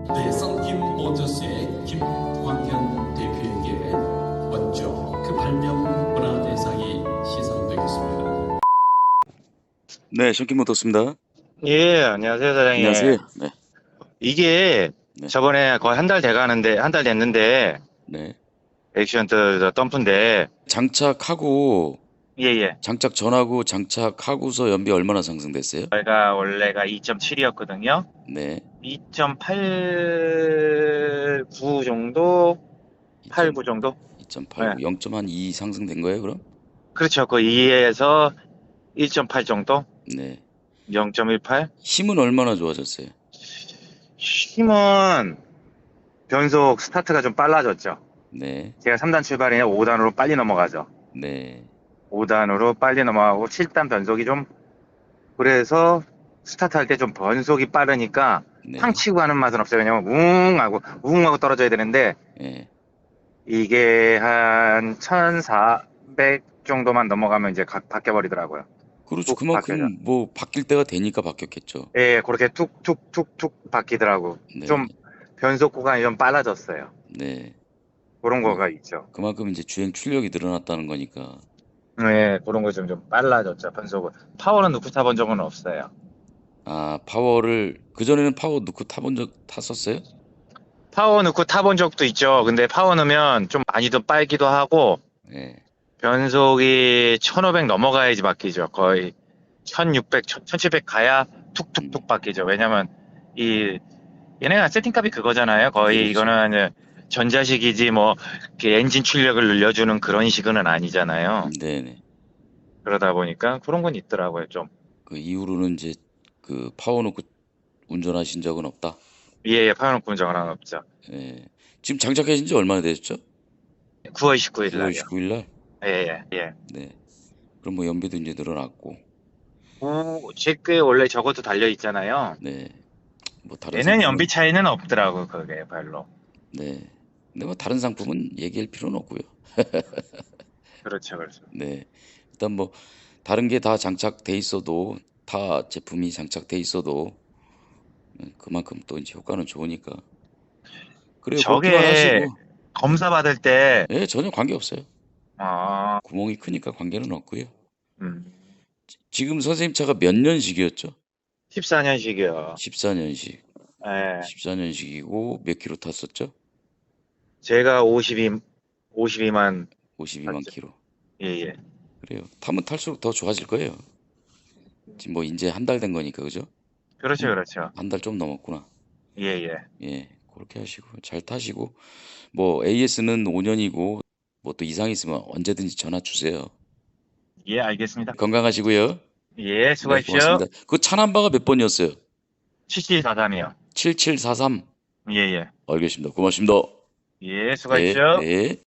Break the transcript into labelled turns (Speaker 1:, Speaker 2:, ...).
Speaker 1: 네, 썬킴 모터스의 김광현 대표에게 먼저 그 발명 문화대상이 시상되겠습니다.
Speaker 2: 네, 션킴모터스입니다.
Speaker 3: 예, 안녕하세요,
Speaker 2: 안녕하세요.
Speaker 3: 사장님.
Speaker 2: 네,
Speaker 3: 이게
Speaker 2: 네.
Speaker 3: 저번에 거의 한 달 돼가는데, 한 달 됐는데,
Speaker 2: 네.
Speaker 3: 액션트 덤프인데,
Speaker 2: 장착하고
Speaker 3: 예, 예.
Speaker 2: 장착 전하고 장착하고서 연비 얼마나 상승됐어요?
Speaker 3: 저희가 원래가 2.7이었거든요.
Speaker 2: 네.
Speaker 3: 2.89 정도? 89 정도? 네.
Speaker 2: 2.89, 0.2 상승된 거예요, 그럼?
Speaker 3: 그렇죠. 그 2에서 1.8 정도?
Speaker 2: 네.
Speaker 3: 0.18?
Speaker 2: 힘은 얼마나 좋아졌어요?
Speaker 3: 힘은 변속 스타트가 좀 빨라졌죠.
Speaker 2: 네.
Speaker 3: 제가 3단 출발이냐 5단으로 빨리 넘어가죠.
Speaker 2: 네.
Speaker 3: 5단으로 빨리 넘어가고 7단 변속이 좀 그래서 스타트할 때 좀 변속이 빠르니까
Speaker 2: 네.
Speaker 3: 팡 치고 가는 맛은 없어요. 왜냐면 웅 하고 떨어져야 되는데
Speaker 2: 예.
Speaker 3: 이게 한 1400 정도만 넘어가면 이제 바뀌어 버리더라고요.
Speaker 2: 그렇죠.
Speaker 3: 툭 바뀌어져.
Speaker 2: 그만큼 뭐 바뀔 때가 되니까 바뀌었겠죠.
Speaker 3: 예, 그렇게 툭툭툭툭 바뀌더라고.
Speaker 2: 네.
Speaker 3: 좀 변속 구간이 좀 빨라졌어요.
Speaker 2: 네.
Speaker 3: 그런 거가 있죠.
Speaker 2: 그만큼 이제 주행 출력이 늘어났다는 거니까.
Speaker 3: 네, 그런 거 좀 빨라졌죠. 변속은. 파워는 넣고 타본 적은 없어요.
Speaker 2: 아, 파워를 그전에는 파워 넣고 탔었어요?
Speaker 3: 파워 넣고 타본 적도 있죠. 근데 파워 넣으면 좀 많이 더 빨기도 하고
Speaker 2: 네.
Speaker 3: 변속이 1500 넘어가야지 바뀌죠. 거의 1600, 1700 가야 툭툭툭 바뀌죠. 왜냐면 이 얘네가 세팅값이 그거잖아요. 거의
Speaker 2: 그렇죠.
Speaker 3: 이거는 이제 전자식이지 뭐 이렇게 엔진 출력을 늘려주는 그런 식은 아니잖아요.
Speaker 2: 네네.
Speaker 3: 그러다 보니까 그런 건 있더라고요. 좀.
Speaker 2: 그 이후로는 이제 그 파워 놓고 운전하신 적은 없다.
Speaker 3: 예, 파워는 분정은 하나 없죠.
Speaker 2: 예. 지금 장착하신 지 얼마나 되셨죠?
Speaker 3: 9월 19일
Speaker 2: 9월
Speaker 3: 날이요.
Speaker 2: 19일 날?
Speaker 3: 예, 예, 예.
Speaker 2: 네. 그럼 뭐 연비도 이제 늘어났고.
Speaker 3: 제게 원래 저것도 달려 있잖아요.
Speaker 2: 네. 뭐 다른
Speaker 3: 얘는
Speaker 2: 상품은
Speaker 3: 연비 차이는 없더라고 그게 별로.
Speaker 2: 네. 근데 뭐 다른 상품은 얘기할 필요는 없고요.
Speaker 3: 그렇죠, 그렇죠.
Speaker 2: 네. 일단 뭐 다른 게 다 장착돼 있어도 타 제품이 장착돼 있어도 그만큼 또 이제 효과는 좋으니까. 그래요. 그렇게만
Speaker 3: 저게
Speaker 2: 하시고.
Speaker 3: 검사 받을 때,
Speaker 2: 예, 전혀 관계 없어요.
Speaker 3: 아,
Speaker 2: 구멍이 크니까 관계는 없고요.
Speaker 3: 음,
Speaker 2: 지금 선생님 차가 몇 년식이었죠?
Speaker 3: 14년식이요.
Speaker 2: 14년식.
Speaker 3: 예,
Speaker 2: 14년식이고 몇 킬로 탔었죠?
Speaker 3: 제가 52만
Speaker 2: 52만
Speaker 3: 맞죠?
Speaker 2: 킬로.
Speaker 3: 예, 예.
Speaker 2: 그래요. 타면 탈수록 더 좋아질 거예요. 지금 뭐 이제 한 달 된 거니까 그죠?
Speaker 3: 그렇죠, 그렇죠.
Speaker 2: 한 달 좀 넘었구나.
Speaker 3: 예, 예.
Speaker 2: 예, 그렇게 하시고 잘 타시고 뭐 AS는 5년이고 뭐 또 이상 있으면 언제든지 전화 주세요.
Speaker 3: 예, 알겠습니다.
Speaker 2: 건강하시고요.
Speaker 3: 예,
Speaker 2: 네,
Speaker 3: 수고하십시오.
Speaker 2: 고맙습니다. 그 차 넘버가 몇 번이었어요?
Speaker 3: 7743이요.
Speaker 2: 7743.
Speaker 3: 예, 예.
Speaker 2: 알겠습니다. 고맙습니다.
Speaker 3: 예,
Speaker 2: 네,
Speaker 3: 수고하십시오.
Speaker 2: 네.